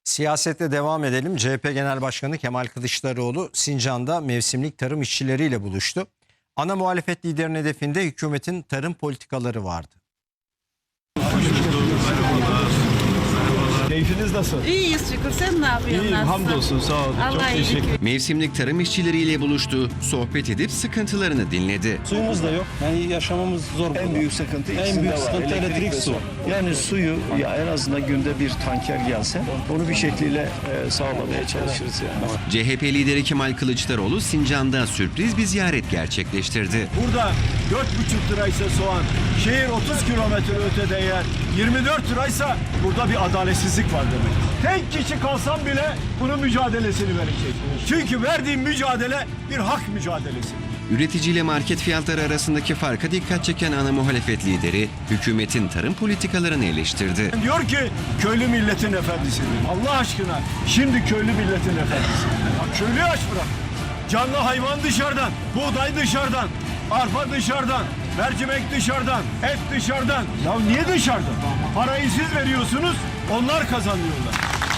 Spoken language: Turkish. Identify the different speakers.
Speaker 1: Siyasete devam edelim. CHP Genel Başkanı Kemal Kılıçdaroğlu Sincan'da mevsimlik tarım işçileriyle buluştu. Ana muhalefet liderinin hedefinde hükümetin tarım politikaları vardı.
Speaker 2: Keyfiniz nasıl?
Speaker 3: İyiyiz şükür. Sen ne yapıyorsun?
Speaker 2: İyiyim,
Speaker 3: nasılsın?
Speaker 2: hamdolsun, sağ olun. Çok
Speaker 3: Allah iyilik
Speaker 2: teşekkür.
Speaker 4: Mevsimlik tarım işçileriyle buluştu, sohbet edip sıkıntılarını dinledi.
Speaker 5: Suyumuz da yok. Yani yaşamamız zor.
Speaker 6: En büyük sıkıntı
Speaker 5: en
Speaker 6: ikisinde
Speaker 5: büyük
Speaker 6: var.
Speaker 5: sıkıntı elektrik
Speaker 6: ve
Speaker 5: su.
Speaker 6: Yani suyu ya en azından günde bir tanker gelse onu bir şekliyle sağlamaya çalışırız yani.
Speaker 4: CHP lideri Kemal Kılıçdaroğlu Sincan'da sürpriz bir ziyaret gerçekleştirdi.
Speaker 2: Burada 4,5 liraysa soğan, şehir 30 kilometre ötede yer 24 liraysa burada bir adaletsizlik var demek. Tek kişi kalsam bile bunun mücadelesini verecek. Çünkü verdiğim mücadele bir hak mücadelesi.
Speaker 4: Üreticiyle market fiyatları arasındaki farka dikkat çeken ana muhalefet lideri hükümetin tarım politikalarını eleştirdi.
Speaker 2: Diyor ki köylü milletin efendisidir. Allah aşkına şimdi köylü milletin efendisi. Ya köylüyü aç bırak. Canlı hayvan dışarıdan, buğday dışarıdan, arpa dışarıdan, mercimek dışarıdan, et dışarıdan. Ya niye dışarıdan? Parayı siz veriyorsunuz, onlar kazanıyorlar.